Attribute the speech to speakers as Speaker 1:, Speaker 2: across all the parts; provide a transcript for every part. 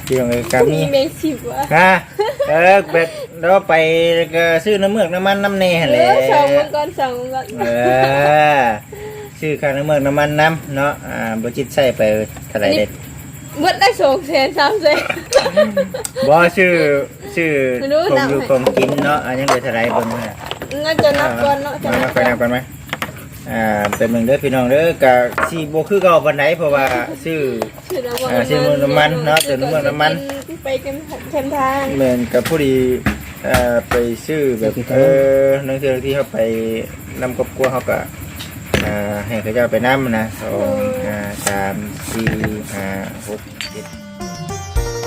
Speaker 1: พี่น้องเอ้ยกับนี่
Speaker 2: มีเมสิบวะ
Speaker 1: ฮะแบบเราไปก็ซื้อน้ำเมือกน้ำมันน้ำเนยหั่นแหละ
Speaker 2: สองวันก่อนสองวันก่อน
Speaker 1: ซื้อค่าน้ำเมือกน้ำมันน้ำเนาะบ่จิตใส่ไปเท่าไหร่เด็ด
Speaker 2: เบิดได้200,000 300,000
Speaker 1: บ่ชื่อ
Speaker 2: ไม่รู้
Speaker 1: ผม
Speaker 2: นับ
Speaker 1: อยู่
Speaker 2: ให้
Speaker 1: ผมกินเนาะอันยังเหลือเท่าไหร่เบิ่งเนาะ
Speaker 2: งั้นจะนับก่อนเนาะจะ
Speaker 1: มา
Speaker 2: นับ
Speaker 1: ค่อยนับกันไหมเป็นเมืองเด้อพี่น้องเด้อก็สิบ่คือเก่าปานใดเพราะว่าซื้อ ซื้อน้ำมันเนาะเติมน้ำมัน
Speaker 2: ไปกันเต็มทาง
Speaker 1: เหมือนกับผู้ดีไปซื้อแบบนักเที่ยวที่เขาไปนำครอบครัวเขาก็ให้เขาเจ้าไปนำนะ2 3 4 5 6 7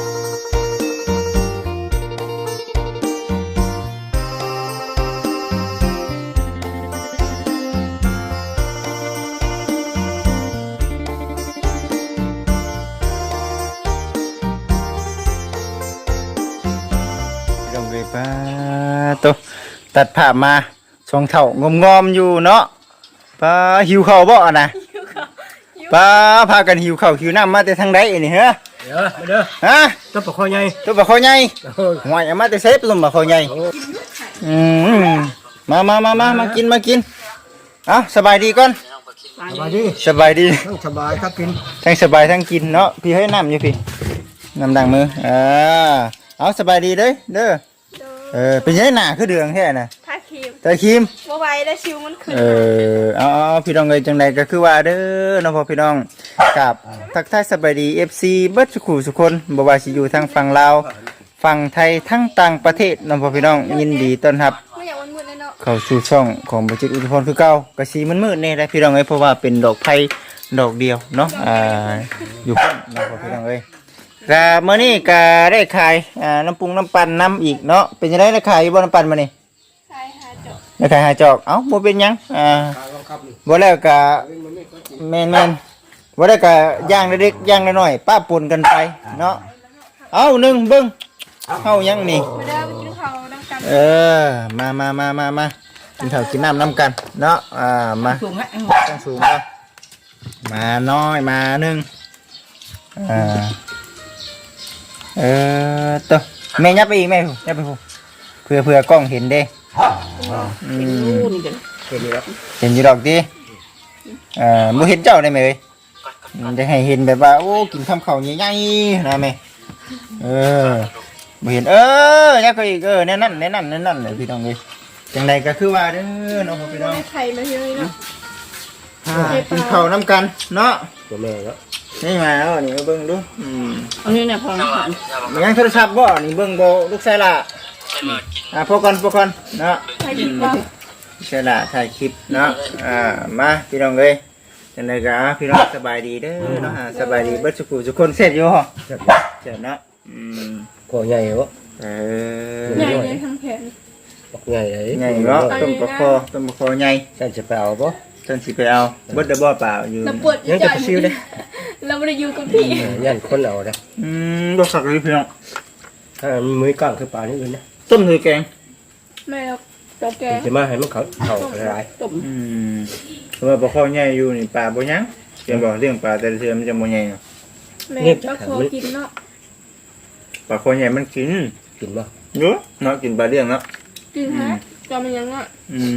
Speaker 1: ลงไปป้าตัวตัดผ้ามาช่องเท่างอมๆอยู่เนาะป้าหิวข้าวบ่อะนะป้าพากันหิวข้าวหิวน้ำมาแต่ทางใดนี่ฮะ
Speaker 3: เด้อมาเด้อ
Speaker 1: ฮะ
Speaker 3: ต้นปลาคอใหญ่
Speaker 1: ตัวบ่คอใหญ่หวยเอามาแต่เซฟลมบ่คอใหญ่มากินเอาสบายดีก่อน
Speaker 3: สบายดี
Speaker 1: สบายดี
Speaker 3: ทั้งสบายครับกิน
Speaker 1: ทั้งสบายทั้งกินเนาะพี่ให้น้ำอยู่พี่น้ำดังมือเอาสบายดีเด้อเป็นยังไงหน้าคือเดืองแท้น่ะ
Speaker 2: ท่าครีม
Speaker 1: ตาครีม
Speaker 2: บ่ไหวแล้วชิวมันขึ้น
Speaker 1: เอาพี่น้องเอ้ยจังใดก็คือว่าเด้อเนาะพ่อพี่น้องกับทักทายสบายดี FC เบิดสุขุสุคนบ่ว่าสิอยู่ทางฝั่งลาวฝั่งไทยทั้งต่างประเทศเนาะพ่อพี่น้องยินดีต้อนรับ
Speaker 2: ไม่อยากวันมืดเลยเนาะ
Speaker 1: เข้าสู่ช่องของบัจิตอุทพรคือเก่าก็สีมืดๆนี่แหละพี่น้องเอ้ยเพราะว่าเป็นดอกไผ่ดอกเดียวเนาะอยู่พุ่นเนาะพ่อพี่น้องเอ้ยก็มื้อนี้ก็ได้ขายน้ำปรุงน้ำปั่นน้ำอีกเนาะเป็นจังได๋ได้ขายอยู่บ่น้ำปั่นมื้อนี้
Speaker 2: ใช่หาจบ
Speaker 1: ได้ขายหาจอกเอ้าบ่เป็นหยังบ่แล้วก็แม่นๆบ่ได้ก็ย่างเล็กๆย่างน้อยๆป้าปนกันไปเนาะเอาหนึ่งเบิ่งเฮายังนี่
Speaker 2: ไปเด้อไปกินข้าวน้ำกัน
Speaker 1: มากินข้าวกินน้ำน้ำกันเนาะมาตั้งสูงเนาะมาน้อยมาหนึ่งตัวแม่ยับไปอีกแม่ยับไปพูเพื่อกล้องเห็นเด้เห็นอยู่ดอกดิมูเห็นเจ้าได้ไหมเอ้ยจะให้เห็นแบบว่าโอ้กินข้าวเขาใหญ่ๆนะแม่บ่เห็นยักก็อีกแน่นั่นเลยพี่น้องเลยจังใดก็คือว่าเด้อน้องพี่น้อง
Speaker 2: ไข่มาเยอะเนาะ
Speaker 1: กินข้าวน้ำกันเนาะ
Speaker 3: ตัวแม่แล้ว
Speaker 1: นี่มาแล้วนี่มาเบิ่งดู
Speaker 2: อันนี้เนี่ยพอ
Speaker 1: มันยังโทรศัพท์บ่นี่เบิ่งบ่ลูกชายล่ะพอก่อนเนาะ
Speaker 2: ใครกินบ้าง
Speaker 1: ลูกชายล่ะถ่ายคลิปเนาะมาพี่น้องเลยจังใดก็พี่น้องสบายดีเด้อเนาะสบายดีเบิดทุกคนเสร็จอยู่เหรอเสร็จเนาะ
Speaker 3: คอใหญ่วะ
Speaker 2: ใหญ่เลยทั้งแขน
Speaker 3: ปักใหญ่เลย
Speaker 1: ใหญ่เนาะต้มปลาคอใหญ่
Speaker 3: ฉันจะไปเอาปะ
Speaker 1: ท่านสิไปเอาเบิดได้บ่เปล่าอยู่
Speaker 2: เราปวด
Speaker 3: ยังจะไปซิวเลย
Speaker 2: เราไม่ได้อยู่กับพี่
Speaker 3: ยันคนเอาเลย
Speaker 1: บ่สักเลยพี่น้อง
Speaker 3: ถ้ามันมือกลางคือปลานี่อื่นนะ
Speaker 1: ต้มถือแกง
Speaker 2: แม่เราตัวแก
Speaker 3: จะมาให้มันเขาละลาย
Speaker 2: ต้ม
Speaker 1: เพราะว่าปลาคอใหญ่อยู่นี่ปลาบ่ยังเกี่ยวบอกเรื่องปลาแต่ละเทื่อมันจะบ่ใหญ่เนาะ
Speaker 2: แม่ก็ขอกินเนาะ
Speaker 1: ปลาคอใหญ่มันกิน
Speaker 3: กินปะ
Speaker 1: เนาะกินปลาเลี้ยงเนาะ
Speaker 2: กินฮะจอมันยังอ่ะ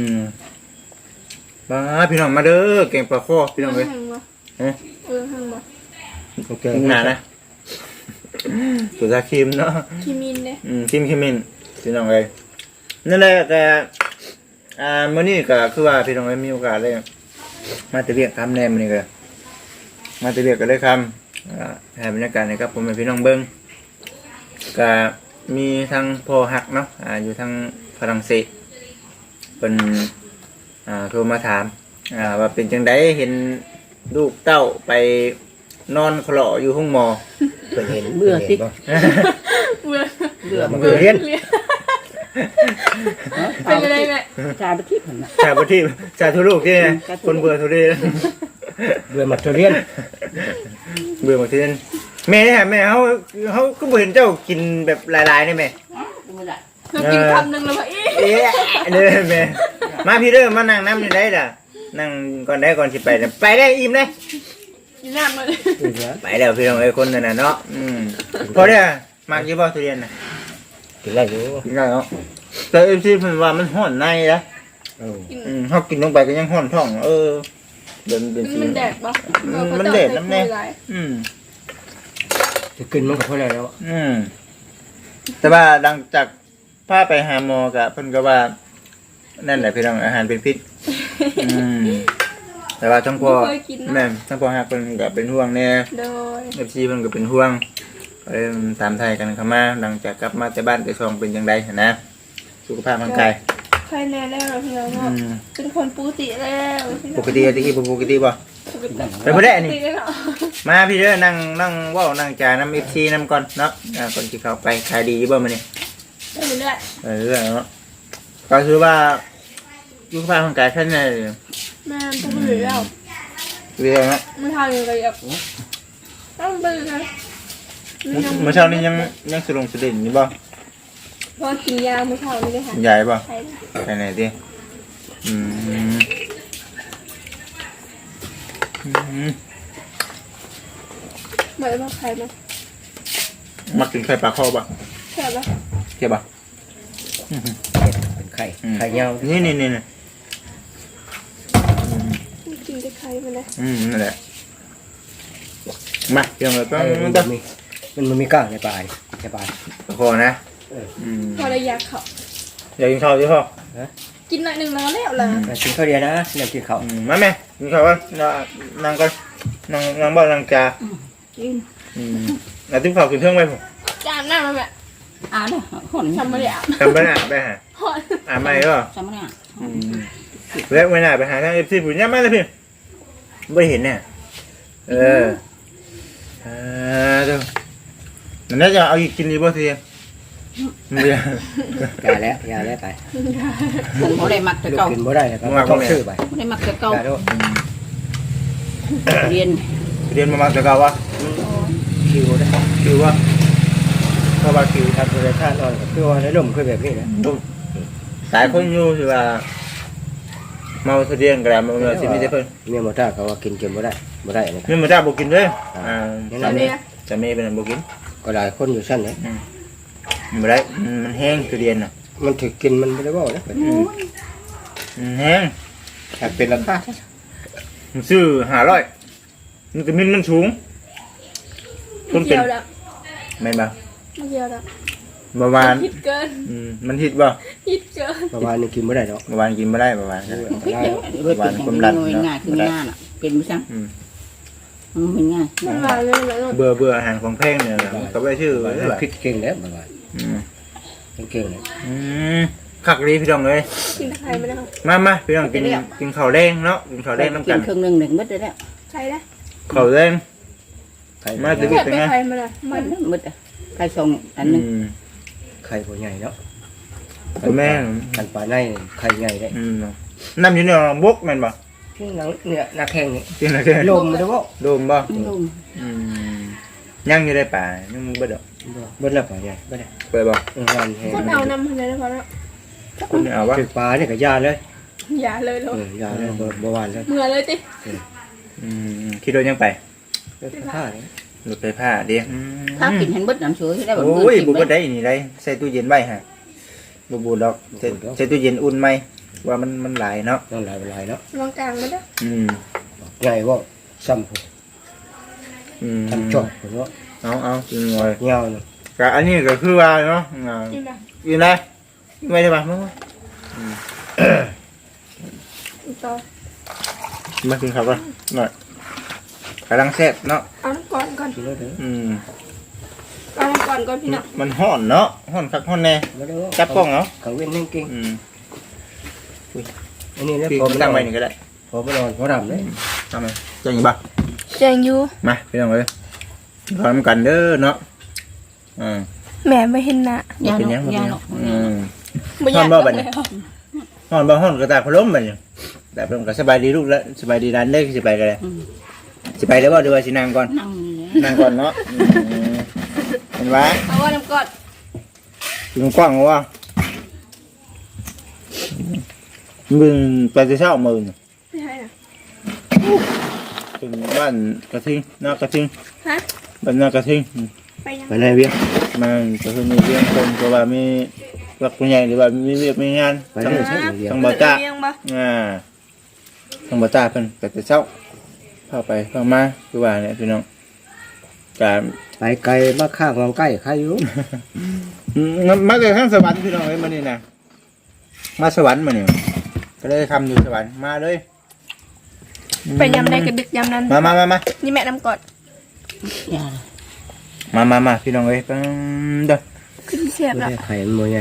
Speaker 1: มาพี่น้องมาเด้อแกงปลาคอพี่น้องเอ้ย
Speaker 2: หังบ่หังบ่
Speaker 3: โอเค
Speaker 1: กินหนานะตัวตาครีมเนาะ
Speaker 2: คิมินเนี่ย
Speaker 1: ครีมพี่น้องเอ้ยนั่นแหละแต่มื้อนี้ก็คือว่าพี่น้องเอ้ยมีโอกาสเลยมาแตะเวียกคำแนมนี่ก็มาแตะเวียกก็ได้คำให้บรรยากาศนะครับผมเป็นพี่น้องเบิ่งก็มีทางพ่อฮักเนาะอยู่ทางฝรั่งเศสเป็นโทรมาถามว่าเป็นจังไดเห็นลูกเต้าไปนอนคลออยู่ห้องหมอ
Speaker 3: เป็นเห็นเมื่อสิ
Speaker 2: เบื่อ
Speaker 3: มันเรียน
Speaker 2: เป็นอะไรแม่
Speaker 4: จ่ายไปที่ผมนะ
Speaker 1: ชาบที่ชาทุลูกที่คนเบื่อทุเรศ
Speaker 3: เบื่อมาเรียน
Speaker 1: เบื่อหมดทีนั้นแม่เขาก็บ่เห็นเจ้ากินแบบหลายๆนี่แม่
Speaker 2: เรากินคำหนึ่งแล้วว่าอี
Speaker 1: เด้อแม่มาพี่เด้อมานั่งน้ำอยู่ได้ล่ะนั่งก่อนได้ก่อนสิไปไปได้อิ่มเลย
Speaker 2: กินน้ำมาเลย
Speaker 1: ไปแล้วพี่น้องไอ้คนนั่นน่ะเนาะพอได้มากยี่บ่ทุเรียนน่ะ
Speaker 3: กินได้อยู่
Speaker 1: กินได้เนาะแต่เอฟซีเพิ่นว่ามันฮ้อนในนะ เฮากินลงไปก็ยังฮ้อนท้องเดินเป็นสี
Speaker 2: มันแดดปะ
Speaker 1: มันแดดน้ำแน่
Speaker 3: จะกินมันก็พอแล้ว
Speaker 1: แต่ว่าหลังจากพาไปหาหมอก็เพิ่นก็ว่านั่นแหละพี่น้องอาหารเป็นพิษแต่ว่าทั้งพ่อแม่ทั้งพ่อฮักเพิ่นก็เป็นห่วงแน่
Speaker 2: โดย
Speaker 1: FC เพิ่นก็เป็นห่วงตามไทยกันเข้ามาหลังจากกลับมาจากบ้านแต่ช่องเป็นจังได๋นะสุขภาพร่างกาย
Speaker 2: ใครแน่แล้วพี่น้องเนาะเป็นคนปกติแล้ว
Speaker 1: ปกติตะกี้บ่ปกติบ่ไปบ่ได้อันนี้มาพี่เด้อนั่งเว้านั่งจ่ายน้ำ FC นำก่อนเนาะก่อนสิเข้าไปขายดีบ่มื้อนี้
Speaker 2: เรื่อย
Speaker 1: เรื่องเนาะก็คือว่าสุขภาพร่างกายท่านเนี่ย
Speaker 2: แม่ต้องไปแล้ว
Speaker 1: เรื่องนะ
Speaker 2: ไม่ทำยังไงอ่ะต้องไปนะ
Speaker 1: เมื่อเช้านี้ยังสลงสะดิ่งอยู่บ่
Speaker 2: พอกินยาเมื่อเช้านี้เลยค่ะ
Speaker 1: ใหญ่บ่
Speaker 2: ใช่
Speaker 1: ไปไหนดิ
Speaker 2: เหมือนว่าใครมา
Speaker 1: มักกินไข่ปลาคอบ่
Speaker 2: ใช่ปะ
Speaker 1: เก็บบ่
Speaker 3: เป็นไข่เงา
Speaker 1: นี่
Speaker 2: กินได้ใครมาเลย
Speaker 1: นั่นแหละมาเดี๋ยวเราต้อง
Speaker 3: มันมีก้างในปลายในปลาย
Speaker 1: ปลาคอนะ
Speaker 2: พอระยะเขา
Speaker 1: อยากกินข้าวดิพ่อ
Speaker 2: กินหน่อยหนึ่งแล้วแล้วล่ะ
Speaker 3: กินข้าวเดียวนะเดี๋ยวกินข้าว
Speaker 1: มาแม่กินข้าวก่อนนั่งก่อนนั่งบ่นั่งจ่า
Speaker 2: กิน
Speaker 1: แล้วติ๊บข้าวกินเทิงไว้ผม
Speaker 2: จานหน้ามาแบบ
Speaker 4: เนี่ยหอน
Speaker 2: ทำมาเลยอ่ะ
Speaker 1: จำไม่ได้ไปหา
Speaker 2: หอน
Speaker 1: ไม่หรอ
Speaker 4: จำไม่ได้
Speaker 1: แล้วไม่น่าไปหาทางเอฟซีผู้นี้มาเลยพี่ไม่เห็นเนี่ยเดี๋ยวมันน่าจะเอาอีกกินดีบ่ทีไม่ได้
Speaker 3: ยาแล้วไป
Speaker 4: ผมเขาได้มักแต่เก่า
Speaker 3: กินบ่ได้แล้วก็ต้องซื้อไป
Speaker 4: เขาได้มักแต่เก่าย
Speaker 3: าด้วย
Speaker 4: เรียน
Speaker 1: เรียนมาจะเก่าวะ
Speaker 3: คิวได้
Speaker 1: คิววะ
Speaker 3: เพราะว่าคิวทำโดยท่านอนกับตัวได้ลมคือแบบนี้นะ
Speaker 1: สายคนอยู่คือว่าเมาเรียนกระดาษมาเลยสิไม่ได้เพิ่น
Speaker 3: เมียหมอท่าเขาว่ากินบ่ได้นะ
Speaker 1: นี่มันได้บุกินด้วยจะไม่เป็นบุกิน
Speaker 3: ก็หลายคนอยู่ชั้นนี้
Speaker 1: ไม่ได้มันแห้งคือเรียนน่ะ
Speaker 3: มันถือกินมันไม่ได้ว่านะ
Speaker 1: แห้ง
Speaker 3: หากเป็นราคา
Speaker 1: ซื้อ500มันก็มันสูงต้นเป็
Speaker 2: เกี่
Speaker 1: น
Speaker 2: ยวแล้ว
Speaker 1: แม่นบ่
Speaker 2: เกี่ยวแล้ว
Speaker 1: ประมาณ
Speaker 2: ฮิตเกิน
Speaker 1: มันฮิตบ่
Speaker 2: ฮิตเกิน
Speaker 3: ประมาณนี้กินไม่ได้หรอก
Speaker 1: ประมาณกินไม่ได้ประมาณนั้น
Speaker 4: พิษเดียวเรื่องเป็นง่ายคือง่ายน่ะเป็นไม่ช่างมันง่าย
Speaker 2: มันมาเลยแล้ว
Speaker 1: เบื่ออาหารของแพงเนี่ยก็ไปชื่อ
Speaker 3: พิษเก่งแล้วประมาณเก่งเลย
Speaker 1: คักดีพี่น้องเลย
Speaker 2: กินใครไม่ได้
Speaker 1: มาพี่น้องกินข้าวแดงเนาะกินข้าวแดงน้ำ
Speaker 4: กิ
Speaker 1: กัน น
Speaker 4: ครึ่งหนึ่งมืดเลยแล้ว
Speaker 2: ใครได้
Speaker 1: ข้าวแดง
Speaker 3: มา
Speaker 2: เกิดเป็นใครมาเลยมัน
Speaker 4: มืดใครส่งอันนึง
Speaker 3: ไข่ตัวใหญ่เนาะ
Speaker 1: แม่
Speaker 3: กันปลาในไข่ใหญ่ได้
Speaker 1: น้ำอยู่ในบกแม่นบ่
Speaker 3: ที่หนังเนี่ยนาแข้งนี่
Speaker 1: กินอะไร
Speaker 3: ลมไม่ได้ว่า
Speaker 1: โดมบ่
Speaker 4: ลม
Speaker 1: ยังอยู่ในป่ายังบ่ดอก
Speaker 3: เบิ้ลละปลาใหญ่ไม่ได้
Speaker 1: ไปบ่
Speaker 3: งานแห้ง
Speaker 2: คนเอานำอะไรนะพอแล้ว
Speaker 1: คุณเอาวะ
Speaker 3: ถือปลาเนี่ยกับยาเลย
Speaker 2: อย่าเลยลูก
Speaker 3: ยาเลยบ่หวานเลย
Speaker 2: เมื่อเลยติ
Speaker 1: คิดโดนยังไป
Speaker 3: ผ้าเนี่ย
Speaker 1: รถไฟฟ้าเด้
Speaker 4: ถ้ากินเห็นเบิดน้ำสวยได้แบบ
Speaker 1: โอ้ยบุบได้นี่ได้ใส่ตู้เย็นไว้ฮะบุบดอกใส่ตู้เย็นอุ่นไหมว่ามันหลายเนาะ
Speaker 3: ต้องหลายเนาะ
Speaker 2: ลองกลางมาด้วย
Speaker 3: ใหญ่ว่าซ้ำผมทำจอดผมว่า
Speaker 1: เอาจริงเลย
Speaker 3: เงาเนาะ
Speaker 1: ก็อันนี้ก็คือว่าเนาะ
Speaker 2: กินแบบ
Speaker 1: อยู่ไหนไม่ได้ป่ะมั้ง
Speaker 2: ต่อ
Speaker 1: มากินข้าวก่อนหน่อยกำลังแซ่บเนาะ
Speaker 2: เอาน้ำก่อนก่อน
Speaker 3: กินแล้วเถอะ
Speaker 2: เอาน้ำก่อนก่อนพี่น้อง
Speaker 1: มันห่อนเนาะห่อนคักห่อนแน่
Speaker 3: ไม่ได้ว่า
Speaker 1: จับกล้องเนาะ
Speaker 3: ขังเว้นนั่งเก่งอันนี้เนี่ย
Speaker 1: พี่
Speaker 3: พอ
Speaker 1: ก็
Speaker 3: ไม่
Speaker 1: ตั้
Speaker 3: ตั้
Speaker 1: ง
Speaker 3: ง
Speaker 1: ไว้
Speaker 3: ไว้
Speaker 1: นี่ก็ได้
Speaker 3: พอไม่นอนพอดำเลย
Speaker 1: ทำไมจะยังบ่
Speaker 2: แจงยู
Speaker 1: มาพี่น้องเลยพร้อมกันเด้อเนาะ
Speaker 2: แม่ไม่เห็นนะ
Speaker 4: ยา
Speaker 1: เป็น
Speaker 4: ห
Speaker 1: ยัง
Speaker 4: ยาหรอก
Speaker 2: ไม่อยาก
Speaker 1: ห่อนบ่ห่อนก็ตาพล้มไปเนี่ยแต่พล้มก็สบายดีลูกแล้วสบายดีร้านเล็กสบายกันเลยสบายแล้วบ่ดูว่าสินางก่อน
Speaker 4: นั่ง
Speaker 1: นางก่อนเนาะเห็นไหม
Speaker 2: เอาว่าน้ำก่อน
Speaker 1: ถึงกว้างว่ามึงไปจะเช่ามือ
Speaker 2: ไม่ใช่นะ
Speaker 1: ไปถึงบ้านกระทิงนากระทิง
Speaker 2: ฮะ
Speaker 1: บ้านนากระทิง
Speaker 2: ไปยัง
Speaker 3: ไปไหนเวียง
Speaker 1: มันก็คือมีเรื่องคนเพราะว่ามีหลักผู้ใหญ่หรือว่ามีเวียกมีงาน
Speaker 3: ไปได้ใช่เวียง
Speaker 1: ทางบ่จ้า
Speaker 2: เลี้ยงบ่
Speaker 1: ทางบ่จ้าเพิ่นก็จะเช้าเข้าไปเข้ามาคือว่าเนี่ยพี่น้องการ
Speaker 3: ไปไกลมาข้างวางใกล้ใครอยู่
Speaker 1: มาจากทางสวรรค์พี่น้องเอ้ยมานี่นะมาสวรรค์มานี่ก็เลยทำอยู่สวรรค์มาเลย
Speaker 2: ไปยำได้กระดึกยำนั้น
Speaker 1: มา
Speaker 2: นี่แม่น้ำกอด
Speaker 4: อย่า
Speaker 1: มาพี่น้องเอ้ยปังเด้อ
Speaker 2: คือที่เสียบ
Speaker 3: ไม่
Speaker 2: ละ
Speaker 3: ได้ไข่มันบ่ใหญ่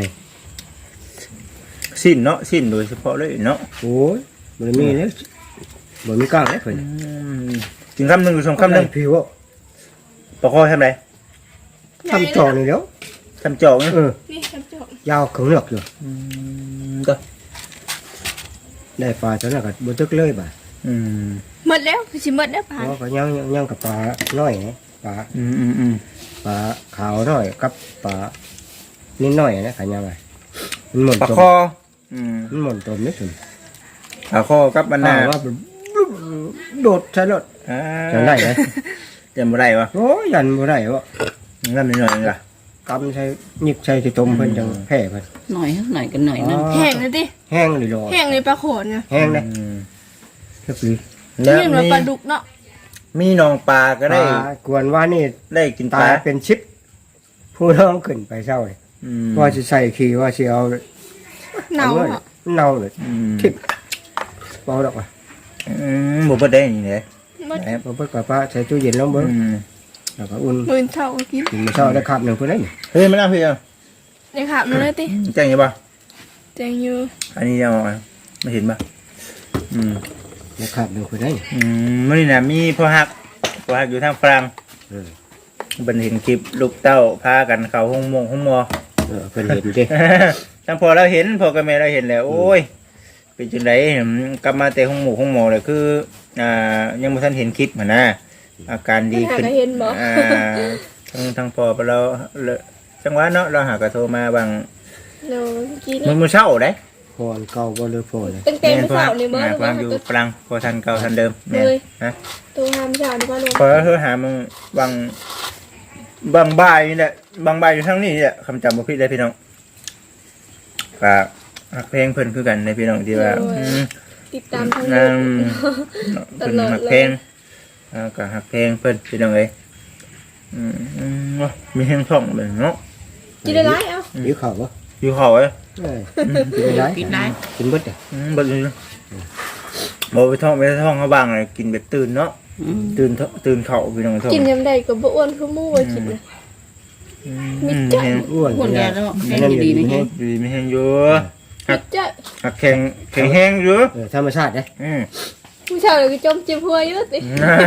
Speaker 1: สิ้นเนาะสิ้นโดยเฉพาะเลยเนาะ
Speaker 3: โอ้ยบ่มีแล้วบ่มีกล้างเลยเพิ่น
Speaker 1: กินคำหนึ่งหรือสองคำหนึ่ง
Speaker 3: ผิวอ่ะ
Speaker 1: ปะคอทำไร
Speaker 3: ทำจอนี่แล้ว
Speaker 1: ทำจอกเนี่ย
Speaker 2: นี่น้ำจอก
Speaker 3: ยาวขึงเหลือกอยู่
Speaker 1: เด้อ
Speaker 3: ได้ปลาตัวนั้นก็บ่ตึกเลยบ่ะ
Speaker 2: หมดแล้วคือสิหมดแล้วผ่าน
Speaker 3: เพราะก็ยังกับปลาน้อยนะปลาปลาขาวน้อยกับปลานิดหน่อยนะขันยังไงมันหมุน
Speaker 1: ปะ
Speaker 3: ตม
Speaker 1: คอ
Speaker 3: มันหมุนตมนิดหนึ่ง
Speaker 1: ปะคอกับมันหน้า
Speaker 3: ว่าโดดใช่รถจะได้ไหม
Speaker 1: จะบ่ได้วะ
Speaker 3: โอ้ยยันบ่ได้วะ
Speaker 1: งั้นนิดหน่อยนึงล่ะ
Speaker 3: กำใช้หยิบใช้ที่ต้มเพิ่นจังแพ้เพิ่น
Speaker 4: หน่อยกันหน่อยนึง
Speaker 2: แห้งเลยดิ
Speaker 3: แห้งเลยรอ
Speaker 2: แห้งเลยปลาโขนไง
Speaker 3: แห้งเลยก็คือ
Speaker 1: แล้ว
Speaker 2: นี่เหมือนปลาดุกเนาะ
Speaker 1: มีน้องปลาก็ได้
Speaker 3: กวนว่านี่
Speaker 1: ได้กินป
Speaker 3: ตา
Speaker 1: ลาย
Speaker 3: เป็นชิปผู้น้องขึ้นไปเศร้าเลยว่าจะใส่ขี่ว่าจะเอา
Speaker 2: เน่าเนาะ
Speaker 3: เน่าเลยทิพเบาดอกอ่ะ
Speaker 1: บ่บ่ได้นี่แหละ
Speaker 2: หมด
Speaker 3: พอเปิดกระป๋าใส่ตู้เย็นลงเบิ้งแล้วก็อุ่น
Speaker 2: มื่นเท่ากิน
Speaker 3: กินมื้อเช้าได้คำหนึ่งเพื่อนได้นี่
Speaker 1: เฮ้ยมันน่าเพียง
Speaker 2: ในขาบนั่นเลยติ
Speaker 1: แจ้งยังป่ะ
Speaker 2: แจงอยู่
Speaker 1: อันนี้ยังไม่เห็นป่ะ
Speaker 3: ได้คำหนึ่งเพื่อนได้นี่
Speaker 1: มื่อนี้นะมีพ่อฮักอยู่ทางฝรั่งบันเห็นคลิปลูกเต้าพากันเขาห้องมอ
Speaker 3: เพื่อนเห็นดิ
Speaker 1: ทั้งพอเราเห็นพอกับแม่เราเห็นแล้วโอ้ยเป็นจังไดกลับมาแต่ห้องหมอเลยคือยังไม่ทันเห็นคลิปเหมือนนะอาการดี
Speaker 2: หา
Speaker 1: ขึ้น
Speaker 2: ก็เห็นบ่
Speaker 1: ทั้งพอเราจังหวะเนาะเราหากระโทรมาบาง
Speaker 2: โลกิน
Speaker 1: มื้อเช้าได้
Speaker 3: พอนเก่าบ่เลยพอเลย
Speaker 2: ตั้งแต่เช้านี่บ่
Speaker 1: พออยู่ฝรั่งพอทันเก่าทันเดิมแม่ฮะ
Speaker 2: ตัวหามเช้านี่บ่ลง
Speaker 1: พอเธอหามึงบางบ่ายนี่แหละบางบ่ายอยู่ทั้งนี้แหละคำจำบ่ผิดเลยพี่น้องก็หักเพลงเพิ่นคือกันในพี่น้องที่ว่า
Speaker 2: ติดตามทาง
Speaker 1: นาง
Speaker 2: ต
Speaker 1: เพิ่น
Speaker 2: ลอด
Speaker 1: หัก
Speaker 2: เล
Speaker 1: เพล
Speaker 2: ย
Speaker 1: งก็หักเพลงเพิ่นพี่น้องเอ้ยมีเพลงท่องเบิ่งเนาะ
Speaker 2: กินได้หลายเอ้า
Speaker 3: หิวข้าวบ่
Speaker 1: อยู่เขาเอ้ย
Speaker 3: กินได้
Speaker 4: กินได้
Speaker 3: กินเบิดอ่ะ
Speaker 1: บ่อยู่บ่ไปท่องเขาบางเลยกินแบบตื่นเนาะตื่นเขาพี่น้องท่อง
Speaker 2: กินยำใดก็บ่อ้วนคือหมู่ว่ากินนะมิดจ้ะ
Speaker 3: อ้วน
Speaker 4: คนแก่แล้วแข็งดีไหม
Speaker 1: ดีไม่แห้งอยู่
Speaker 2: มิดจ้ะ
Speaker 1: หักแข็งแห้งอยู่
Speaker 3: ธรรมชาติเด้
Speaker 2: ผู้ชายเลยก็จมจิ้มหัวอยู่ติ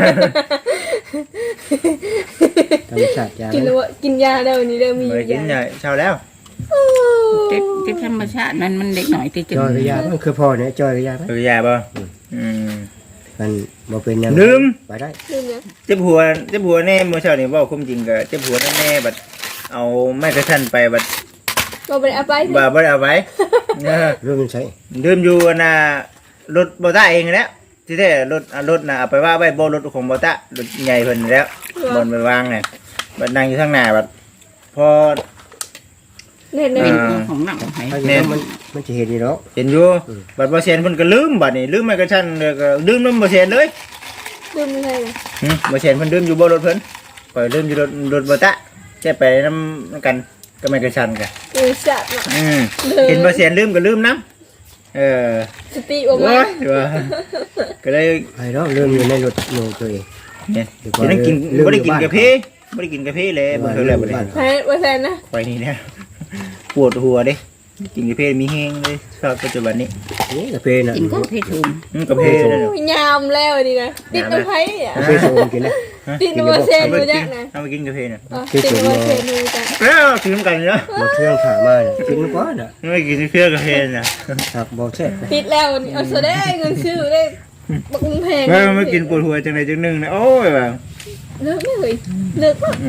Speaker 3: ธรรมชาติยา
Speaker 2: กินแล้วกินยาแล้วนี่เด้อมี
Speaker 1: ไปกินใหญ่เช้าแล้ว
Speaker 4: ติดธรรมชาติมันเด็กหน่อยติด
Speaker 3: จอยกระยามันคือพ่อเนี่ยจอยกระยาไหม
Speaker 1: เออยาบ่
Speaker 3: มันบ่เป็นยัง
Speaker 1: ลืม
Speaker 3: ไปได้
Speaker 2: ลืมยัง
Speaker 1: เจ็บหัวแน่เมื่อเช้านี่เว่าคุ้มจริงก็เจ็บหัวแน่บัดเอาไม้กระทันไปบัด
Speaker 2: บ่ไปเอาไป
Speaker 1: บ่ได้เอาไว้
Speaker 3: เรื่องมันใช้
Speaker 1: ลืมอยู่น่ะรถบ่ตาเองแล้วที่แท้รถน่ะเอาไปว่าไว้บ่รถของบ่ตารถใหญ่เพิ่นแล้วบนไปวางน่ะบัดนั่งอยู่ข้างหน้าบัดพอ
Speaker 2: เน่
Speaker 4: เป็นของหนักของไผ่
Speaker 3: ถ้าอย่างนั้นมันจะเห็นอยู่แล้ว
Speaker 1: เห็นอยู่บัดบ่เซียนเพิ่นก็ลืมบัดนี้ลืมไม้กระทันแล้วก็ลืมนำบ่เซียนเลย
Speaker 2: ลืมอะไรนะ
Speaker 1: บ่เซียนเพิ่นลืมอยู่บ่รถเพิ่นข่อยลืมอยู่รถบ่ตะแค่ไปนำกันก็ไม้กระทันกัน
Speaker 2: สัตว์เนาะ
Speaker 1: เห็นบ่เซียนลืมก็ลืมนำ
Speaker 2: สติออกมา
Speaker 1: โอ้ยว่าก็เลย
Speaker 3: ไอ้เนาะเรื่องอยู่ในรถหนูตัวเอง
Speaker 1: เนี่ยจะนั่งกินบ่ได้กินกาแฟบ่ได้กินกาแฟเลยบ่เคยแล้วบ่ได้
Speaker 2: แพ้ว่าแทนนะ
Speaker 1: ไปนี่นะปวดหัวเด้กินกาแฟมีแห้งเลยชอบปัจจุบันนี้
Speaker 3: นี่กาแฟน่ะ
Speaker 4: กินก็เพชุม
Speaker 1: กาแฟนั่นน่ะ
Speaker 2: ยามแล้วนี่นะติดน้ำไผ่อ่ะ
Speaker 3: กาแฟโซมกินนะ
Speaker 2: ติดน้ำเซนดูจักนะ
Speaker 1: เอาไปกินกาแฟน่ะ
Speaker 2: ติดน้ำเซนดูจัก
Speaker 1: กินน้ำกันเนาะ
Speaker 3: มาเครื่องผ่ามาเนี่ยกินกว่าน่ะ
Speaker 1: ไม่กินเพื่อกาแฟน่ะ
Speaker 3: หักบ่แซ่บ
Speaker 2: ติดแล้วนี่เอาซะได้เงินซื้อได้บักแพง
Speaker 1: ไม่กินปวดหัวจังไดจังนึงนะโอ้ยว่า
Speaker 2: เลิกไม่เลยเลิกป่ะ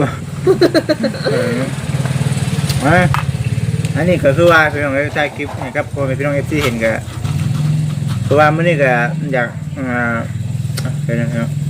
Speaker 1: ว่าอันนี้ก็คือว่าพี่น้องถ่ายคลิปให้กับพ่อแม่พี่น้อง FC เห็นก็คือว่ามื้อนี้ก็อยากเดี๋ยวนะครับ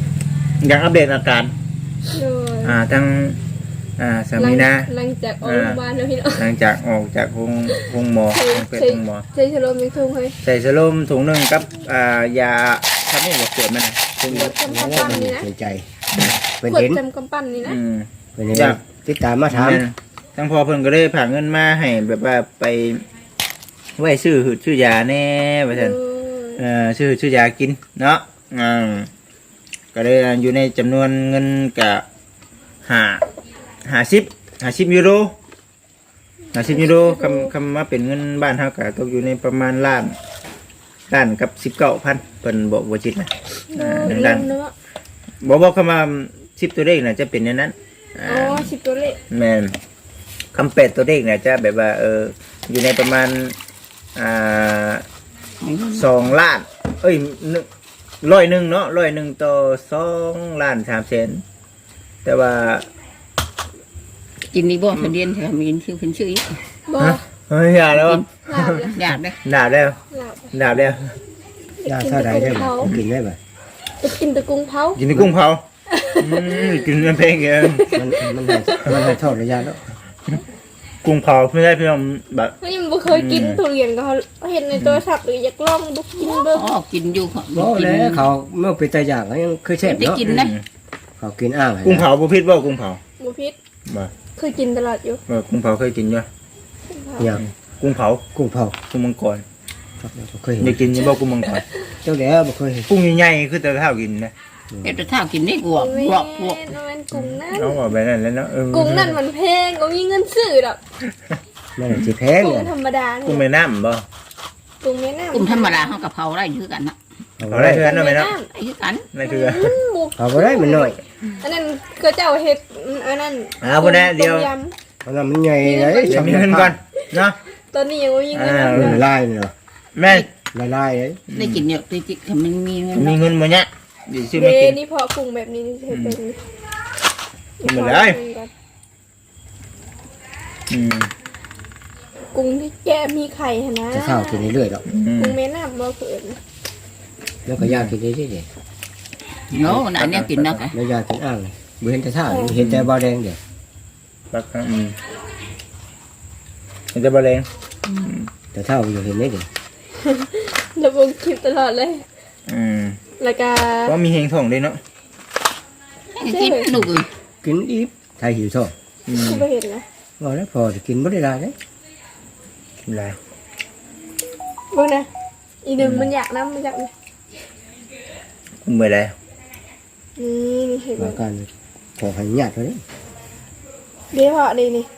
Speaker 1: อยากอัปเดตอาการ
Speaker 2: โดย
Speaker 1: ทั้งสามีนะ
Speaker 2: หลังจากออกโรงพยาบาลแล้วพี่น้อง
Speaker 1: หลังจากออกจากห้องหมอห้องเป็ดห้องหมอ
Speaker 2: ใช้ชโลมยังทุ่งให้
Speaker 1: ใส่สโลมถุงหนึงกับยาทำให้หัวเกิดมันถุง
Speaker 2: กดจำกำปั้นนี่นะ
Speaker 3: เห็นใจเป็น
Speaker 2: กด
Speaker 3: เห็น
Speaker 2: จำกำปั้นนี่นะ
Speaker 3: เป็นเห็นติดตามมาถาม
Speaker 1: ทั้งพอเพิ่นก็ได้ผ่าเงินมาให้แบบว่าไปไว้ซื้อหืดซื้อยาแน่ว่าซั่น ซื้อยากินเนาะก็ได้อยู่ในจำนวนเงินกับ50 ยูโร50 ยูโรคำว่าเป็นเงินบ้านเฮาก็ตกอยู่ในประมาณล้านกับ 19,000เพิ่นบอกว่าจิตนะ
Speaker 2: เริ่
Speaker 1: ล้าน
Speaker 2: มเนาะ
Speaker 1: บอกคำว่า10ตัวเลขน่ะจะเป็นในนั้น
Speaker 2: อ๋อ10ตัวเลข
Speaker 1: แม่นคำ8ตัวเลขน่ะจะแบบว่าอยู่ในประมาณ2 ล้านเอ้ย100เนาะ100ต่อ2 ล้าน3แสนแต่ว่า
Speaker 4: กินนี่บ่คนเดียนค่ะมีชื่อเพิ่นชื่ออีก
Speaker 2: บ่
Speaker 1: เฮ้ยอย่าแล้ว
Speaker 2: ลาบเลย
Speaker 4: อยากได้
Speaker 1: ดาบแล้ว
Speaker 2: ลาบ
Speaker 1: ดาบแล้ว
Speaker 3: ยาเท่าใดได้บ่กินได้บ่
Speaker 2: ไปกินแตะกุ้งเผา
Speaker 1: กินแต่กุ้งเผากินเป็นเพลงเอง
Speaker 3: มันให้โทษระยะแล้ว
Speaker 1: กุ้งเผาไม่ได้พี่น้องแบบ
Speaker 2: เฮ้ยมันบ่เคยกินทุเรียนก็เขาเห็นในโทรศัพท์หรืออยากลองบุกกินเบิ่ง
Speaker 4: อ๋อกินอยู่ค่ะ
Speaker 3: บ่แล้วเขาเมื่อเป็นตาอย่างยังคือแซ่บ
Speaker 4: ได้
Speaker 3: เนาะ
Speaker 4: กินนะ
Speaker 3: เขากินอ้าง
Speaker 1: กุ้งเผาบุพิษบ่กุ้งเผา
Speaker 2: บ่พิษ
Speaker 1: บ่
Speaker 2: เคยกินตลอดอยู่
Speaker 1: กุ้งเผาเคยกินอยู่
Speaker 3: อย่าง
Speaker 1: กุ้งเผา
Speaker 3: กุ้งเผา
Speaker 1: กุ้งมังกร
Speaker 3: เคยเห็น
Speaker 1: ได้กินยังบ่กุ้งมังกร
Speaker 3: เจ้าแล้วบ่เคยเห็น
Speaker 1: กุ้งใหญ่ๆคือแต่เท่ากินนะ
Speaker 4: เดี๋ยวถ้ากินได้กวก
Speaker 2: แม่
Speaker 4: กวกกวก
Speaker 2: มันกุ้งนั่น
Speaker 1: เอาออกไปนั่นแล้วเนาะ
Speaker 2: กุ้งนั่นมันแพงก็มีเงินซื้อดอก
Speaker 3: นั่นสิแพง
Speaker 2: กุ้ง
Speaker 3: เนี่ย
Speaker 2: ธรรมดา
Speaker 1: กุ้ง
Speaker 2: เนี่ย
Speaker 1: แม่น้ำบ่
Speaker 2: กุ้งแม่น้ำ
Speaker 4: กุ้งธรรมดาเฮากะเพราได้คือกันนะ
Speaker 1: เอาได้เทือนเอาไหมเนาะ
Speaker 4: ไอ้คือกัน
Speaker 1: นั่นคือ
Speaker 2: บุก
Speaker 3: เขาบ่ได้มันน้อย
Speaker 2: อันนั้นก็เจ้าเฮ็ดอันนั้น
Speaker 1: บ่ได้เดียว
Speaker 2: ต้มย
Speaker 3: เพราะมันใหญ่เลย
Speaker 1: เดี๋ยวมีเงินก่อนเนาะ
Speaker 2: ำตอนนี้ยังไม่มีเงิน
Speaker 3: ลายเนาะ
Speaker 1: แม่
Speaker 3: ลายเลย
Speaker 4: ได้กินเนี่ยติดๆมันมีเงิน
Speaker 1: มีเงินบ่เนี่ยเดี๋ยวซื้อ
Speaker 2: เด
Speaker 1: มากิน
Speaker 2: นี่พอกุ้งแบบนี้นี่เฮ็ดเป็น
Speaker 1: กินหมดเลย
Speaker 2: กุ้งที่แกมีไข่หั่นนะ
Speaker 3: จะข้าวกินเรื่อยๆดอก
Speaker 2: กุ้งแม่น้ำบ่เพิ่น
Speaker 3: แล้วก็ยากินเรื่อย
Speaker 4: โน้อันเนี้ยกินนะค่ะ
Speaker 3: ๆแล้วยากินอ้างบ่เห็นแต่ท่าเห็นแต่บ่แดงเด้
Speaker 1: ปักมันจะบ่แรง
Speaker 3: แต่ท่าอยู่เห็นได้เด้
Speaker 2: ระบบคลิปตลอดเลย แล้วก็
Speaker 1: เพราะมีเฮงทองด้วยเนาะ
Speaker 4: กินหนุกเลย
Speaker 3: กินอีกไทยหิวท้อง
Speaker 2: คือบ่เห็นนะ
Speaker 3: บ่แล้วพอจะกินบ่ได้หลายเด้
Speaker 1: กินไร
Speaker 2: เบิ่งนะอีหนึ่งมันอยากน้ำมันอยากนี่
Speaker 1: กุ้งไปแล้ว
Speaker 2: นี่เห็นไหม
Speaker 3: ว่าการขอให้ญาติเท่านี้
Speaker 2: เดี๋ยวพอดีนี่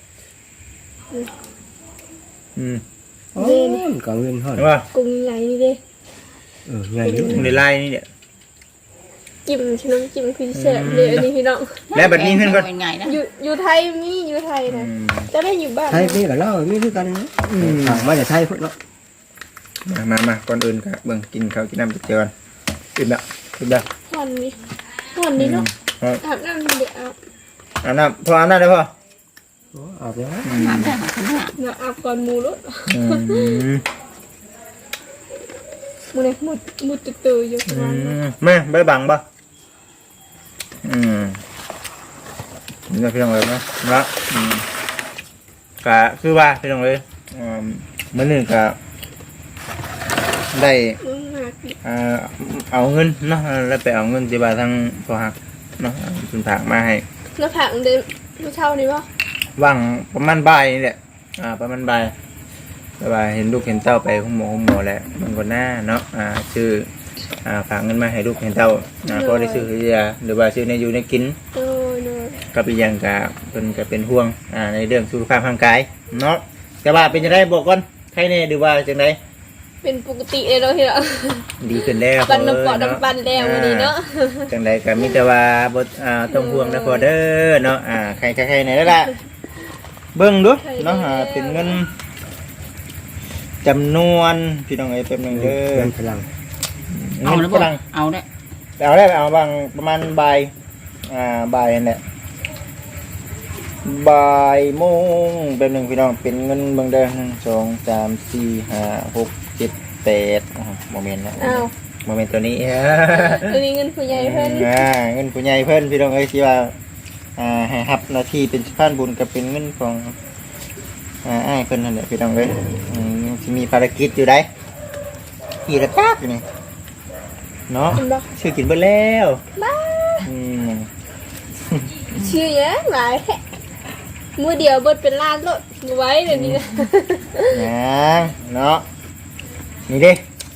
Speaker 3: อ๋อก็เงินเฮา
Speaker 1: ใช่ป่ะ
Speaker 2: กุ้งใหญ่นี่เด้
Speaker 3: ใหญ่อยู่
Speaker 1: กุ้งในไล่นี่เนี่ย
Speaker 2: จิ้มชิน้ำจิ้มพิเศษเลยอันนี้พี่น้อง
Speaker 1: แล้วบัดนี้เพิ่นก็
Speaker 4: เป็นไงนะ
Speaker 2: อยู่ไทยมีอยู่ไทยนะจะได้อยู่บ้าน
Speaker 3: ไทยมีกับเรามีคือกันนะทางมาจากไทยพุ่นเนาะ
Speaker 1: มาก่อนอื่นก็เบิ่งกินข้าวกินน้ำจักเจอกันกินแล้ว
Speaker 2: วันนี้เนาะอาบน้ำเดี๋ยวอาบ
Speaker 1: อาบน้ำพออาบน้ำได้พอ
Speaker 3: อาบแล้ว
Speaker 4: น้ำได้หาคนหน้า
Speaker 2: เดี๋ยวอาบก่อนหมูรถมูเนี่ยมูตื่นอยู่ประมาณนั้น
Speaker 1: แม่ใบบังป่ะนี่พี่น้องเลยนะแล้วก็คือว่าพี่น้องเลยมื้อนึงก็ได้
Speaker 2: มึงหากิน
Speaker 1: เอาเงินเนาะแล้วไปเอาเงินที่บ้านทางพ่อฮักเนาะคุณถากมาให้
Speaker 2: แล้วผักเดินผู้เช่านี่วะ
Speaker 1: ว่างประมาณบ่ายนี่แหละประมาณบ่ายแต่ว่าเห็นลูกเห็นเต้าไปห้องหมอแล้วมันก็น่าเนาะชื่อฝากเงินมาให้ลูกเห็นเต้าก็ได้ซื้อยาหรือว่าซื้อในอยู่ในกิน
Speaker 2: เออ
Speaker 1: ก็เป็นอย่างกับเป็นก็เป็นห่วงในเรื่องสุขภาพร่างกายเนาะแต่ว่าเป็นจังไดบอกก่อนใครแน่หรือว่าจังได
Speaker 2: เป็นปกติเลยเนาะที่เรา
Speaker 1: ดีขึ้นแล้ว
Speaker 2: ปันน้ำปอดน้ำปันแล้ววันนี้เนาะ
Speaker 1: จังไดก็มีแต่ว่าบ่ต้องห่วงนะพอเด้อเนาะใครไหนแล้วล่ะเบิ่งดูเนาะเป็นเงินจำนวนพี่น้องเอ้ยแป๊บนึงเด้อ
Speaker 3: เงินพลัง
Speaker 4: เอา
Speaker 1: เงิ
Speaker 4: แล้
Speaker 1: น
Speaker 4: ว
Speaker 1: กำลัง
Speaker 4: เอาได้
Speaker 1: เอาบางประมาณบ่ายบ่ายนั่นแหละบ่ายโมงแป๊บนึงพี่น้องเป็นเงินเบิ่งเด้อ1 2 3 4 5 6 7 8โมเมนต์นะ
Speaker 2: อ้าว
Speaker 1: โมเมนต์ตัวนี้
Speaker 2: ตัวนี้เงินผู้ใหญ่เพิ่น
Speaker 1: เงินผู้ใหญ่เพิ่นพี่น้องเอ้ยที่ว่าให้รับหน้าที่เป็นสะพานบุญกับเป็นเงินของอ้ายเพิ่นนั่นแหละพี่น้องเอ้ยสิมีภารกิจอยู่ได้ขี่ระจักอยู่นี่เนาะ
Speaker 2: เห็นบ่
Speaker 1: ชื่อกินเบิดแล้ว
Speaker 2: บ้า
Speaker 1: อืม
Speaker 2: ชื่อหยังหลายแท้มื้อเดียวเบิดเป็นล้านโลดไว้เดี๋ยวนี้นะ
Speaker 1: ยังเนาะนี่เด้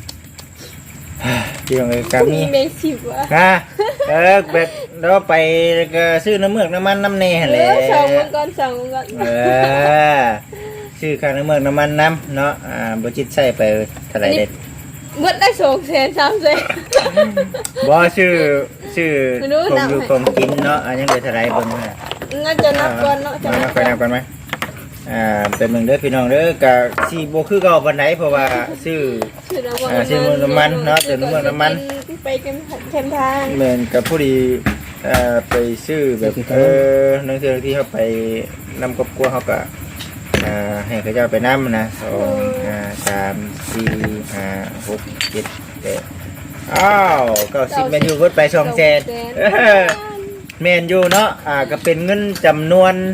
Speaker 1: พี่น้องเอ้ยกามี
Speaker 2: แมงสิบวะ
Speaker 1: แบบเราไปก็ซื้อน้ำเมือกน้ำมันน้ำเนหั่นแหละ
Speaker 2: สองมันก่อนสองมันก่อน
Speaker 1: ซื้อค่าน้ำเมือกน้ำมันน้ำเนาะบ่จิตใส่ไปเท่าไหร่เด็ด
Speaker 2: เบิดได้200,000 300,000
Speaker 1: บ่ชื่อ
Speaker 2: ไม่รู้
Speaker 1: กรม
Speaker 2: นับ
Speaker 1: อยู่
Speaker 2: ให้
Speaker 1: กรมกินเนาะยังเหลือเท่าไหร่เบิ่งนะ
Speaker 2: น่าจะนับก่อนเนาะจะ
Speaker 1: นั
Speaker 2: นั
Speaker 1: บบ ไปนับกันไหมเป็นเมืองเด้อพี่น้องเด้อก็สิบ่คือเก่าปานใดเพราะว่าซื้อ ชื่อเมืองน้ำมันเนาะเติมน้ำมันน้ำมัน
Speaker 2: ไปกันแคมทาง
Speaker 1: เหมือนกับผู้ดีไปซื้อแบบนังเทือที่เขาไปนำครอบครัวเขาก็ให้เขาเจ้าไปนำนะ2 3 4 5 6 7 8อ้าว90แมนยูเพิ่นไป200,000แมนยูเนาะก็เป็นเงินจำนวน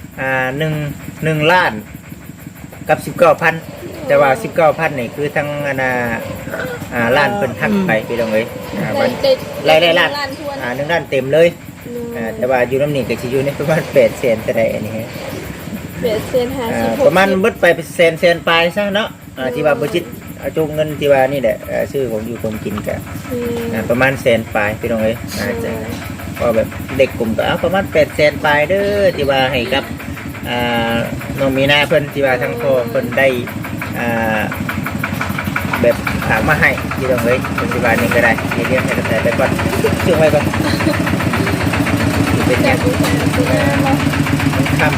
Speaker 1: 1ล้านกับ 19,000 แต่ว่า 19,000นี่คือทั้งล้านเพิ่นหักไปพี่น้องเอ้ยไล่ล้าน1ล้านเต็มเลยแต่ว่าอยู่น้ำนี่ก็สิอยู่ในประมาณ800,000แต่ใดอันนี้ฮะ
Speaker 2: 850
Speaker 1: ประมาณเบิดไปแสนปลายซะเนาะที่ว่าบ่จิตจุงเงินที่ว่านี่แหละชื่อของอยู่กรมกินก็ประมาณแสนปลายพี่น้องเอ้ยจะก็แบบเด็กกลุ่มก็เอาประมาณ800,000ปลายเด้อที่ว่าให้กับน้องมีนาเพิ่นที่ว่าทั้งพ่อเพิ่นได้แบบฝากมาให้ที่ตรงเลยปัจจุบันนี้ก็ได้เรียกให้กระแสไปก่อนช่วงไว้ก่อนเป็นอย่างคำ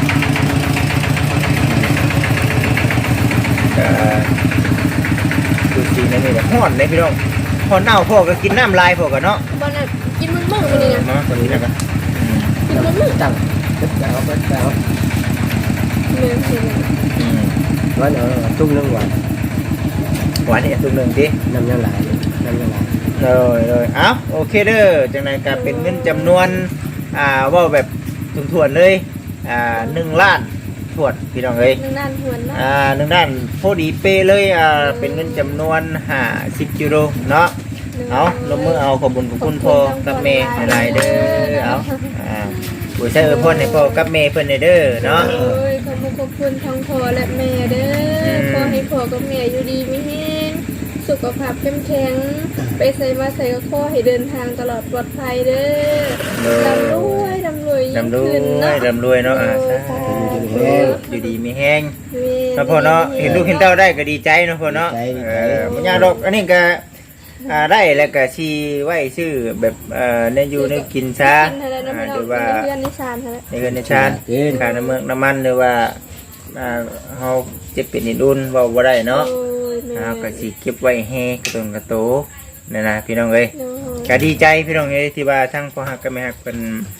Speaker 1: ดูสีนั่นนี่แหละห่อนเลยพี่น้องพอเน่าพ่อก็กินน้ำลายพ่อกันเนาะ
Speaker 2: บ่น่ะกินมึงๆนี่นะ
Speaker 1: มาตอนนี้นะครับ
Speaker 2: กินมึงๆ
Speaker 3: ตั้งตึ๊บแล้วก็แล้ว
Speaker 2: แม่นสิ
Speaker 3: วันตุ้มนึงหวาน
Speaker 1: หวานนี่ตุ้มหนึ่งดิ
Speaker 3: น้ำยังไหลน้ำยังไหล
Speaker 1: เลยเอ้าโอเคเด้อจังไรก็เป็นเงินจำนวนว่าแบบถ่วนๆเลย1ล้านถ่วนพี่น้องเอ้ย
Speaker 2: 1ล้านทวนเนาะ
Speaker 1: 1ล้านพอดีเปเลยเป็นเงินจำนวน50ยูโรเนาะเอาลงมือเอาขอบคุญของคุณพ่อกับแม่หลายๆเด้อเอาผู้ใช้พ่อให้พ่อกับแม่เพิ่นเด้อเนาะ
Speaker 2: โอ้ยขอบคุณทั้งพ่อและแม่เด้อขอให้พ่อกับแม่อยู่ดีมีแรงสุขภาพเข้มแข็งไปใส่มาใส่ก็ขอให้เดินทางตลอดปลอดภัยเด้อร่ำรวยร่ำรวยยิ่งขึ้นเนาะ
Speaker 1: ร่ำรวยเนาะอยู่ดีมีแห้งแล้วพ่อเนาะเห็นลูกเห็นเต้าได้ก็ดีใจเนาะพ่อเนาะมันยากดอกอันนี้ก็ได้แล้วก็ชีไว้ชื่อแบบในอยู่ในกินซะหรือว่า
Speaker 2: เพื่อนนิชานเท่านั้น
Speaker 1: ในเงินในชาติค่าน้ำเมืองน้ำมันหรือว่าเฮาเจ็บเป็นนิดอุ่นเว้าบ่ได้เนาะ
Speaker 2: โอ้ยแม่
Speaker 1: ก็สิเก็บไว้ให้กระตนกระโตนั่นนะพี่น้องเอ้ยก็ดีใจพี่น้องเอ้ยที่ว่าทั้งพ่อฮักกับแม่ฮักเพิ่น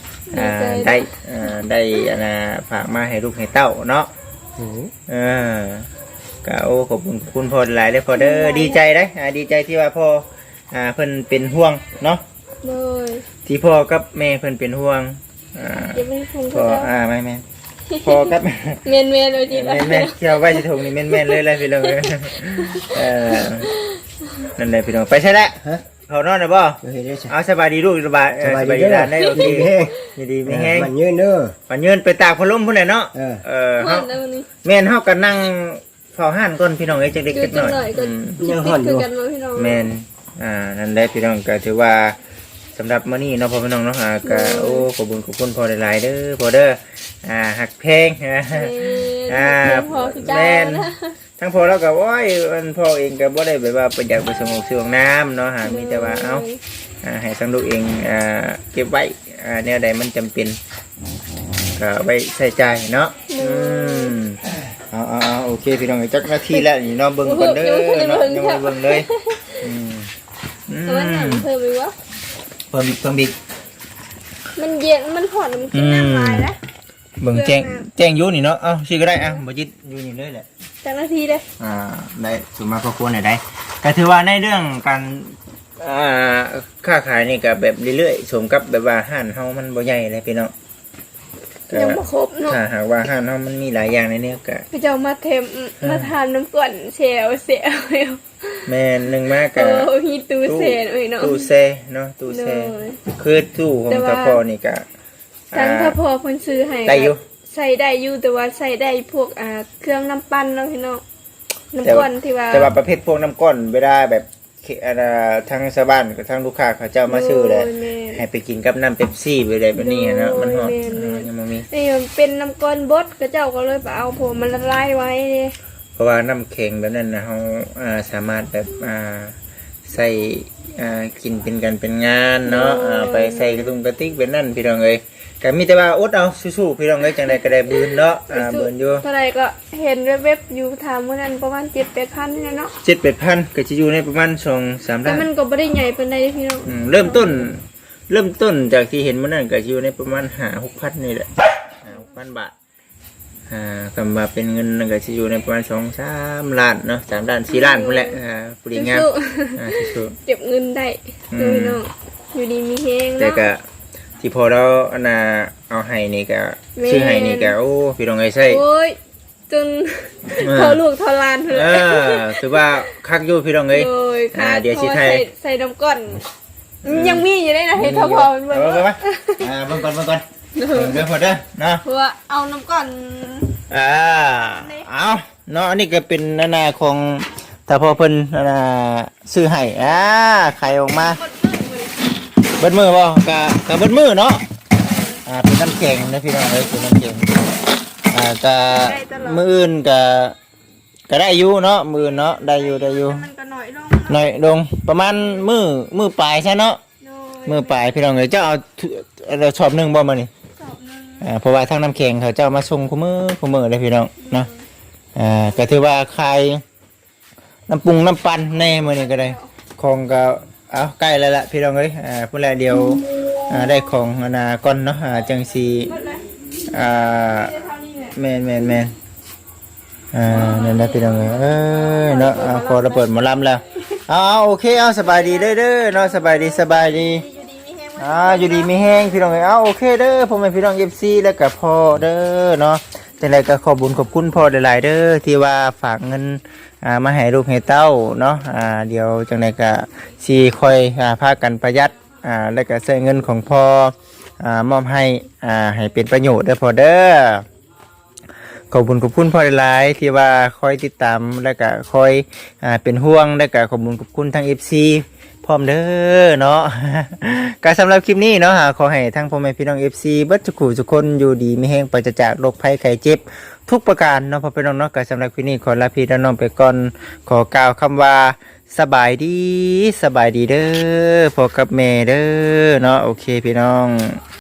Speaker 1: ได้ฝากมาให้ลูกให้เต้าเนาะก็โอ้ขอบคุณพ่อหลายเลยพ่อเด้อดีใจได้ดีใจที่ว่าพ่อเพิ่นเป็นห่วงเนาะ
Speaker 2: โดย
Speaker 1: ที่พ่อกับแม่เพิ่นเป็นห่วง
Speaker 2: ยังไม่คง
Speaker 1: พ่อ
Speaker 2: เขา
Speaker 1: ไม่พ่อกับ
Speaker 2: เมนเลยทีละ
Speaker 1: แม่เที่ยวไว้สิถุงนี่แม่นเลยเลยพี่น้องนั่นเลยพี่น้องไปใช่แล้วเขานอนนะบ่เอาสบายดีลูกสบายดีหลานได้โอเคดีไม่แห้ง
Speaker 3: มันยืนเด้อ
Speaker 1: ปันยืนไปตากพัดลมพุ่นน่ะเนาะเฮาแม่นเฮาก็นั่งเฝ้าห้านก่อนพี่น้องเอ้ยจักเล็กจักน้อย
Speaker 3: ยังห่อนอยู่
Speaker 1: แม่นนั่นแหละพี่น้องก็ถือว่าสำหรับมื้อนี้เนาะพ่อพี่น้องเนาะก็โอ้ขอบคุณพ่อหลายๆเด้อพ่อเด้อหักเพลงแม่นทั้งพ่อแล้วก็โอ้ยพ่อเองก็บ่ได้แบบว่าประหยัดไปสงบซื้อของน้ำเนาะมีแต่ว่าเอ้าให้ทั้งลูกเองเก็บไว้แนวใดมันจำเป็นก็ไว้ใช้จ่ายเนาะเอาโอเคพี่น้องจักนาทีแล้วนี่เนาะเบิ่งก่อนเด้อเนาะยังบ่เบิ่งเลย
Speaker 2: มันหนังเพิ่มไปวะ
Speaker 1: เพิ่มอีก
Speaker 2: มันเย็นมันหอนมันกินน้ำลายนะ
Speaker 1: เบิ่งแจ้งอยู่นี่เนาะเอ้าชื่อก็ได้บ่จิตอยู่นี่เลยแหละ
Speaker 2: จากนาทีเลย
Speaker 1: ได้สุมาพอควรได้ก็ถือว่าในเรื่องการค้าขายนี่ก็แบบเรื่อยๆสมกับแบบว่าห้านเฮามันบ่ใหญ่เลยพี่น้องก็
Speaker 2: ยังบ่ครบเนาะ
Speaker 1: ถ้าหากว่าห้านเฮามันมีหลายอย่างในนี้ก็
Speaker 2: พี่เจ้ามาเทมมาทานน้ำก่อนเชลเสีย
Speaker 1: แม่นหนึงมาก
Speaker 2: โอ้
Speaker 1: ก็
Speaker 2: มีตู้เซนเอ้ยเนาะ
Speaker 1: ตู้เซเนาะตู้เซ
Speaker 2: เลย
Speaker 1: คือตู้ของ
Speaker 2: แต่ว่า
Speaker 1: ตะพอนี่ก็
Speaker 2: ทั้งถ้าพอเพิ่นซื้อให้
Speaker 1: ได้อยู่
Speaker 2: ใส่ได้อยู่แต่ว่าใส่ได้พวกเครื่องน้ำปั้นเนาะพี่น้อง
Speaker 1: แต่
Speaker 2: น้ำ
Speaker 1: ว่า
Speaker 2: ก้อนที่ว่า
Speaker 1: แต่ว่าประเภทพวกน้ำก้อนเวลาแบบทางชาวบ้านกับทางลูกค้าเขาเจ้ามาซื้อเลย
Speaker 2: โแม่
Speaker 1: ให้ไปกินกับน้ำเป๊ปซี่ไปเลยแบบนี้เนาะมันฮอด
Speaker 2: แม่น
Speaker 1: ยังบ่มี
Speaker 2: นี่มันเป็นน้ำก้อนบดก็เจ้าก็เลยไปเอาผมมันละลายไว้เด้
Speaker 1: เพราะว่าน้ำแข็งแบบนั้นนะเราสามารถแบบใส่กินเป็นกันเป็นงานเนาะไปใส่กระตุ้งกระติกเป็นนั่นพี่น้องเอ้ยก็มีแต่ว่าอดเอาสู้ๆพี่น้องเอ้ยจังใดก็ได้บืนเนาะบืนอยู่
Speaker 2: เท่าไหร่ก็เห็นเว็บๆอยู่ถามมื้อนั้นประมาณ 7-8,000นี่เนาะ
Speaker 1: 7-8,000ก็จะอยู่ในประมาณ2-3
Speaker 2: แต่
Speaker 1: ล้าน
Speaker 2: มันก็บ่ได้ใหญ่ปานใดเด้พี่น้อง
Speaker 1: เริ่มต้นจากที่เห็นมื้อนั้นก็อยู่ในประมาณ5-6,000นี่แหละ5-6,000 บาทกำมาเป็นเงินก็จะอยู่ในประมาณ2-3 ล้านเนาะ3 ล้าน4 ล้านพุ่นแหละผู้ดีงามสู้
Speaker 2: เก็บเงินได้พี่น้องอยู่ดีมีแฮง
Speaker 1: ๆแต่
Speaker 2: เนาะ
Speaker 1: ก็ที่พอเราเอาให้นี่ก็
Speaker 2: แม่
Speaker 1: ชื่อให้นี่ก็โอ้พี่น้องเอ้ยใช่
Speaker 2: โอ้ยจนทอลูกทอหลานเถอะ
Speaker 1: ถือว่าคักอยู่พี่น้องเอ้ย
Speaker 2: โอ้ยค่ะ
Speaker 1: เดี๋ยวสิไทย
Speaker 2: ใส่น้ำก้อนยังมีอยู่ได้นะให้ทอพอมันเบิ่ง
Speaker 1: เบิ่งเบิ่งก่อนเดี๋ยวพอเด้อเนาะ
Speaker 2: เพราะว่าเอาน้ำก้อน
Speaker 1: เอาเนาะอันนี้ก็เป็นนาของถ้าพอเพิ่นซื้อให้ไข่ออกมาเบิดมือบ่กะเบิดมือเนาะเป็นน้ำแข็งนะพี่น้องเอ้ยเป็นน้ำแข็งกะมื้ออื่นก็ได้อยู่เนาะมื้ออื่นเนาะได้อยู่
Speaker 2: มันก็น้อยลง
Speaker 1: หน่อยลงประมาณมื้อปลายใช่เนาะ
Speaker 2: โดย
Speaker 1: มื้อปลายพี่น้องเอ้ยเจ้าเอาชอบหนึงบ่มานี่
Speaker 2: สอบหนึง
Speaker 1: เพราะว่าทางน้ำแข็งเขาเจ้ามาส่งคู่มือเลยพี่น้องเนาะก็ถือว่าใครน้ำปรุงน้ำปั่นแน่มื้อนี้ก็ได้ของก็เอาใกล้แล้วล่ะพี่น้องเอ้ยพุ่นแลเดียวได้ของก่อนเนาะจังสี
Speaker 2: หมดเลย
Speaker 1: อ่า
Speaker 2: เท่านี้แหละ
Speaker 1: แม่นนั่นแหละพี่น้องเอ้ยเนาะพอเราเปิดหมอลำแล้วโอเคสบายดีเด้อเนาะสบายดี
Speaker 2: อยู่ดีมีแฮง
Speaker 1: อยู่ดีมีแห้งพี่น้องเอ้ยโอเคเด้อผมเป็นพี่น้องFCแล้วก็พ่อเด้อเนาะจังไดก็ขอบคุณพ่อหลายๆเด้อที่ว่าฝากเงินมาให้ลูกให้เต้าเนาะเดี๋ยวจังไดก็สิค่อยพากันประหยัดแล้วก็ใช้เงินของพ่อมอบให้เป็นประโยชน์เด้อพ่อเด้อขอบคุณพ่อหลายๆที่ว่าคอยติดตามแล้วก็คอยเป็นห่วงแล้วก็ขอบคุณทาง FC พร้อมเด้อเนาะ ก็สำหรับคลิปนี้เนาะขอให้ทั้งพ่อแม่พี่น้อง FC เบิดทุกคนอยู่ดีมีแฮงปราศจากโรคภัยไข้เจ็บทุกประการเนาะพ่อพี่น้องเนาะก็สำหรับคลิปนี้ขอลาพี่น้องไปก่อนขอกล่าวคำว่าสบายดีเด้อพ่อกับแม่เด้อเนาะโอเคพี่น้อง